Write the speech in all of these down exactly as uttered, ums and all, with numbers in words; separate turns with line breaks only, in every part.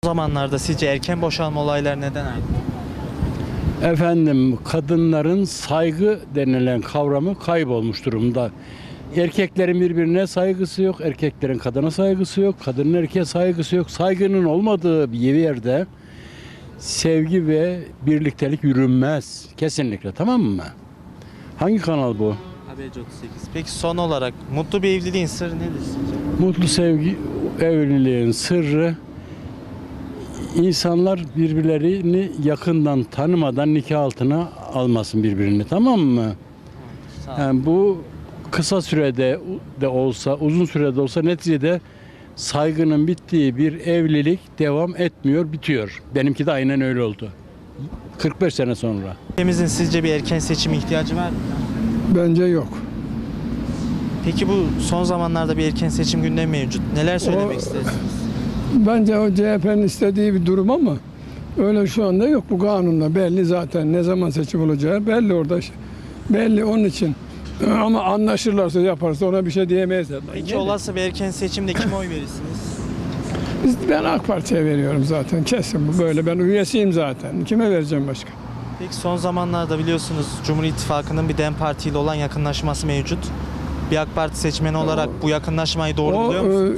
O zamanlarda sizce erken boşanma olayları neden arttı?
Efendim, kadınların saygı denilen kavramı kaybolmuş durumda. Erkeklerin birbirine saygısı yok, erkeklerin kadına saygısı yok, kadının erkeğe saygısı yok. Saygının olmadığı bir yerde sevgi ve birliktelik yürünmez. Kesinlikle, tamam mı? Hangi kanal bu?
Haberci otuz sekiz. Peki son olarak mutlu bir evliliğin sırrı nedir sizce?
Mutlu sevgi, evliliğin sırrı, insanlar birbirlerini yakından tanımadan nikah altına almasın birbirini, tamam mı?
Sağ olun.
Yani bu kısa sürede de olsa, uzun sürede olsa neticede saygının bittiği bir evlilik devam etmiyor, bitiyor. Benimki de aynen öyle oldu. kırk beş sene sonra.
Ülkemizin sizce bir erken seçime ihtiyacı var mı?
Bence yok.
Peki bu son zamanlarda bir erken seçim gündemi mevcut. Neler söylemek
O-
istersiniz?
Bence o C H P'nin istediği bir durum ama öyle şu anda yok. Bu kanunla belli zaten ne zaman seçim olacağı belli orada. Belli onun için. Ama anlaşırlarsa yaparsa ona bir şey diyemeyiz.
Peki olası bir erken seçimde kime oy verirsiniz?
Biz, ben AK Parti'ye veriyorum zaten. Kesin bu böyle. Ben üyesiyim zaten. Kime vereceğim başka?
Peki son zamanlarda biliyorsunuz Cumhur İttifakı'nın bir DEM Parti ile olan yakınlaşması mevcut. Bir AK Parti seçmeni olarak bu yakınlaşmayı doğru buluyor musunuz?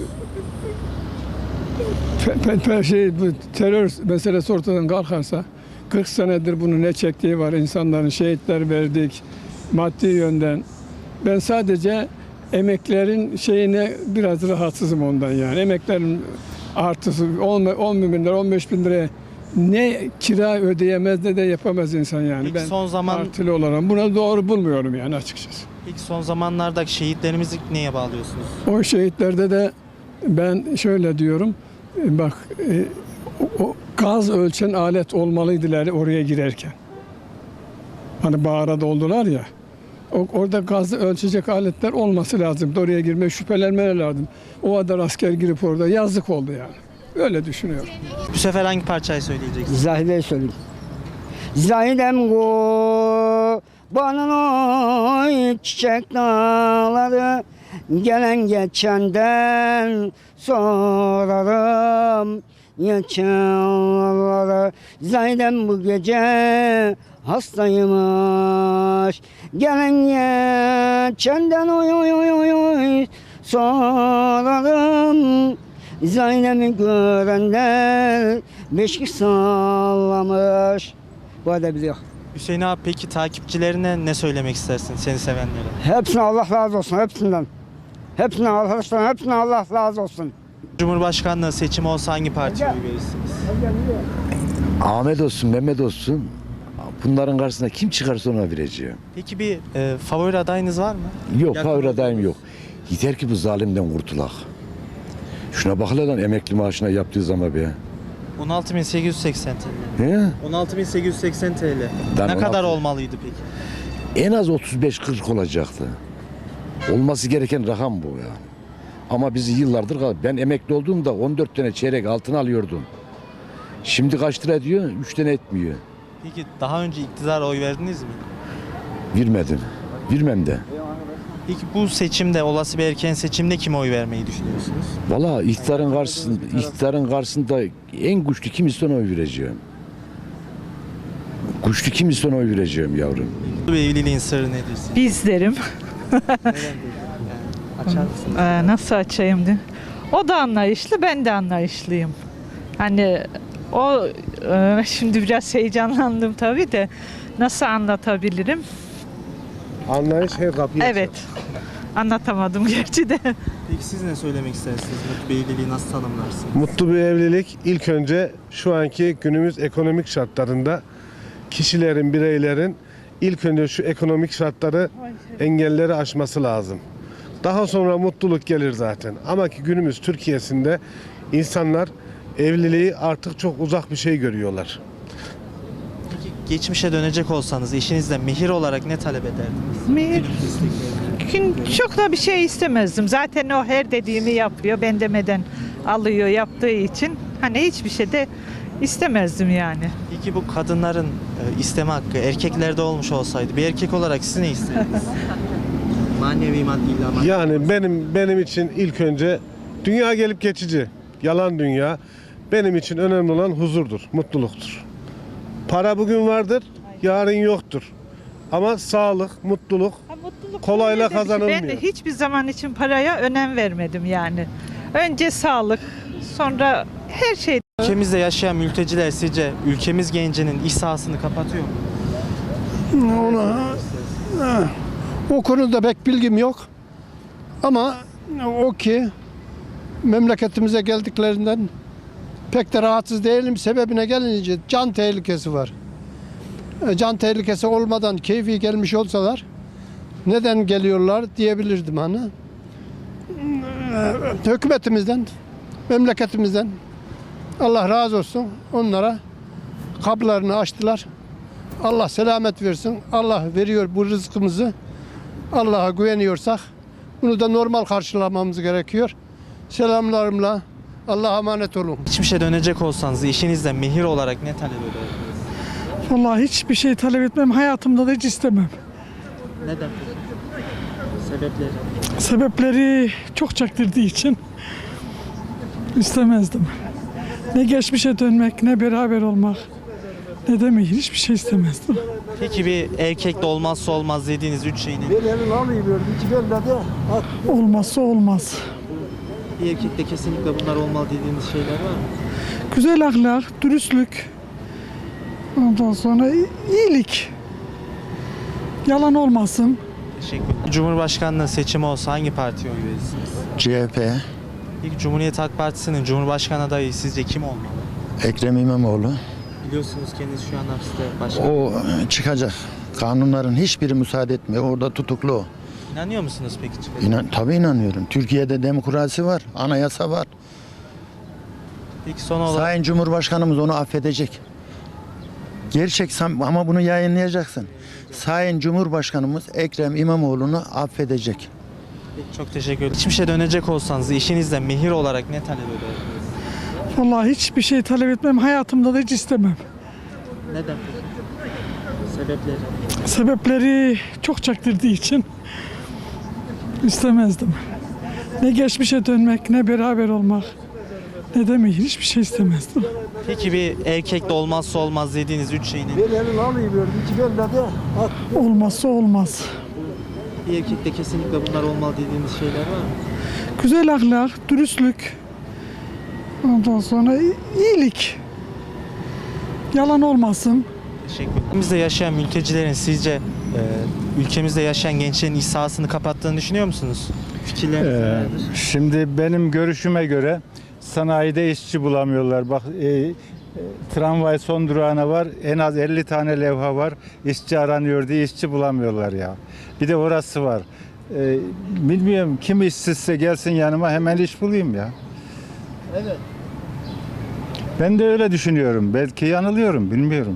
e, pe, pe, pe- şey, bu terör meselesi ortadan kalkarsa kırk senedir bunu ne çektiği var. İnsanların şehitler verdik maddi yönden. Ben sadece emeklerin şeyine biraz rahatsızım ondan yani. Emeklerin artısı on bin lira, on beş bin liraya ne kira ödeyemez ne de yapamaz insan yani.
Peki
ben
son zaman-
partili olarak buna doğru bulmuyorum yani açıkçası.
Peki son zamanlardaki şehitlerimizi neye bağlıyorsunuz?
O şehitlerde de ben şöyle diyorum, e, bak e, o, o gaz ölçen alet olmalıydılar oraya girerken. Hani bağıra doldular ya, o, orada gazı ölçecek aletler olması lazım. Oraya girme şüphelenmeler lazım. O kadar asker girip orada yazık oldu yani. Öyle düşünüyorum.
Bu sefer hangi parçayı söyleyeceksiniz?
Zahide'yi söyleyeyim. Zahidem kurbanın oy çiçek dağları, gelen geçenden sorarım yaşananları. Zahidem bu gece hastaymış, gelen geçenden oy oy oy oy oy sorarım. Zeynep'i görenler beşik sallamış. Bu kadar biliyor.
Hüseyin abi peki takipçilerine ne söylemek istersin seni sevenlere?
Hepsine Allah razı olsun, hepsinden. Hepsine arkadaşlar, hepsine Allah razı olsun.
Cumhurbaşkanlığı seçimi olsa hangi partiye oy verirsiniz?
Ahmet olsun, Mehmet olsun. Bunların karşısında kim çıkarsa ona vereceğim.
Peki bir e, favori adayınız var mı?
Yok,
Yakın
favori
olduğunuz.
adayım yok. Yeter ki bu zalimden kurtulak. Şuna bak lan emekli maaşına yaptığı zaman be.
on altı bin sekiz yüz seksen T L.
He?
on altı bin sekiz yüz seksen T L.
Ben
Ne
on
kadar
altı
olmalıydı peki?
En az otuz beş kırk olacaktı. Olması gereken rakam bu ya. Ama bizi yıllardır kal- ben emekli olduğumda on dört tane çeyrek altın alıyordum. Şimdi kaç lira diyor? üç tane etmiyor.
Peki daha önce iktidara oy verdiniz mi?
Vermedim. Vermem de.
Peki bu seçimde, olası bir erken seçimde kime oy vermeyi düşünüyorsunuz?
Valla iktidarın karşısında, iktidarın karşısında en güçlü kim ise ona oy vereceğim. Güçlü kim ise ona oy vereceğim yavrum.
Bu evliliğin sırrı nedir sizce?
Bizlerim.
Neden peki? Yani açar mısınız?
Ee, nasıl açayım diye. O da anlayışlı, ben de anlayışlıyım. Hani o e, şimdi biraz heyecanlandım tabii de nasıl anlatabilirim?
Anlayış her kapıyı
Evet. Anlatamadım gerçi de.
Peki siz ne söylemek istersiniz? Mutlu bir evliliği nasıl tanımlarsınız?
Mutlu bir evlilik ilk önce şu anki günümüz ekonomik şartlarında kişilerin, bireylerin ilk önce şu ekonomik şartları, engelleri aşması lazım. Daha sonra mutluluk gelir zaten. Ama ki günümüz Türkiye'sinde insanlar evliliği artık çok uzak bir şey görüyorlar.
Peki geçmişe dönecek olsanız eşinizden mehir olarak ne talep ederdiniz?
Mehir?
Günümüz istekleri.
Gün çok da bir şey istemezdim. Zaten o her dediğimi yapıyor. Ben demeden alıyor yaptığı için. Hani hiçbir şey de istemezdim yani.
Peki bu kadınların e, isteme hakkı erkeklerde olmuş olsaydı bir erkek olarak siz ne isterdiniz? Manevi maddi illa maddi.
Yani benim benim için ilk önce dünya gelip geçici. Yalan dünya. Benim için önemli olan huzurdur, mutluluktur. Para bugün vardır, yarın yoktur. Ama sağlık, mutluluk
Ha, mutluluk
kolayla
öyle de bir şey.
kazanılmıyor.
Ben de hiçbir zaman için paraya önem vermedim yani. Önce sağlık, sonra her şey.
Ülkemizde yaşayan mülteciler sizce ülkemiz gencinin iş sahasını kapatıyor mu?
Ona, ha, o konuda pek bilgim yok. Ama o ki memleketimize geldiklerinden pek de rahatsız değilim. Sebebine gelince can tehlikesi var. E, Can tehlikesi olmadan keyfi gelmiş olsalar neden geliyorlar diyebilirdim hani. E, Hükümetimizden, memleketimizden Allah razı olsun onlara kapılarını açtılar. Allah selamet versin. Allah veriyor bu rızkımızı. Allah'a güveniyorsak bunu da normal karşılamamız gerekiyor. Selamlarımla Allah'a emanet olun.
Geçmişe dönecek olsanız işinizde mehir olarak ne talep ederdiniz?
Vallahi hiçbir şey talep etmem. Hayatımda da hiç istemem.
Neden? Sebepleri?
Sebepleri çok çektirdiği için istemezdim. Ne geçmişe dönmek, ne beraber olmak, ne de mihir, hiçbir şey istemezdim.
Peki bir erkekte olmazsa olmaz dediğiniz üç şey ne?
Olmazsa olmaz.
Bir erkekte kesinlikle bunlar olmalı dediğiniz şeyler var mı?
Güzel ahlak, dürüstlük, ondan sonra iyilik, yalan olmasın.
Teşekkür ederim. Cumhurbaşkanlığı seçimi olsa hangi partiye oy verirsiniz?
C H P,
İlk Cumhuriyet Halk Partisi'nin Cumhurbaşkanı adayı sizce kim olmalı?
Ekrem İmamoğlu.
Biliyorsunuz kendisi şu an hapiste başkan.
O çıkacak. Kanunların hiçbiri müsaade etmiyor. Orada tutuklu o.
İnanıyor musunuz peki? çıkacak?
İnan, tabii inanıyorum. Türkiye'de demokrasi var, anayasa var.
Peki son olarak
Sayın Cumhurbaşkanımız onu affedecek. Gerçek sam- ama bunu yayınlayacaksın. Sayın Cumhurbaşkanımız Ekrem İmamoğlu'nu affedecek.
Peki, çok teşekkür ederim. Geçmişe dönecek olsanız işinizde mehir olarak ne talep ederdiniz?
Vallahi hiçbir şey talep etmem. Hayatımda da hiç istemem.
Neden? Sebepleri?
Sebepleri çok çektirdiği için istemezdim. Ne geçmişe dönmek, ne beraber olmak, ne de mihir, hiçbir şey istemezdim.
Peki bir erkekte olmazsa olmaz dediğiniz üç şey ne?
Olmazsa olmaz.
Bir erkekte kesinlikle bunlar olmalı dediğiniz şeyler var mı?
Güzel ahlak, dürüstlük, ondan sonra iyilik, yalan olmasın.
Teşekkür ederim. Ülkemizde yaşayan mültecilerin sizce e, ülkemizde yaşayan gençlerin iş sahasını kapattığını düşünüyor musunuz? Fikirleriniz
Ee,
nelerdir?
Şimdi benim görüşüme göre sanayide işçi bulamıyorlar. Bak e, e, tramvay son durağına var. En az elli tane levha var. İşçi aranıyor diye işçi bulamıyorlar ya. Bir de orası var. E, bilmiyorum kim işsizse gelsin yanıma hemen iş bulayım ya.
Evet.
Ben de öyle düşünüyorum. Belki yanılıyorum bilmiyorum.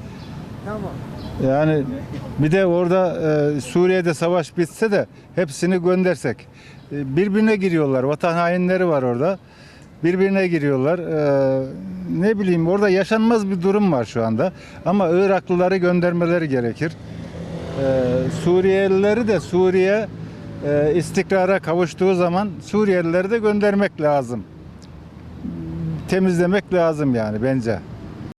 Yani bir de orada e, Suriye'de savaş bitse de hepsini göndersek. E, birbirine giriyorlar. Vatan hainleri var orada. Birbirine giriyorlar. E, ne bileyim orada yaşanmaz bir durum var şu anda. Ama Iraklıları göndermeleri gerekir. E, Suriyelileri de Suriye e, istikrara kavuştuğu zaman Suriyelileri de göndermek lazım. Temizlemek lazım yani bence.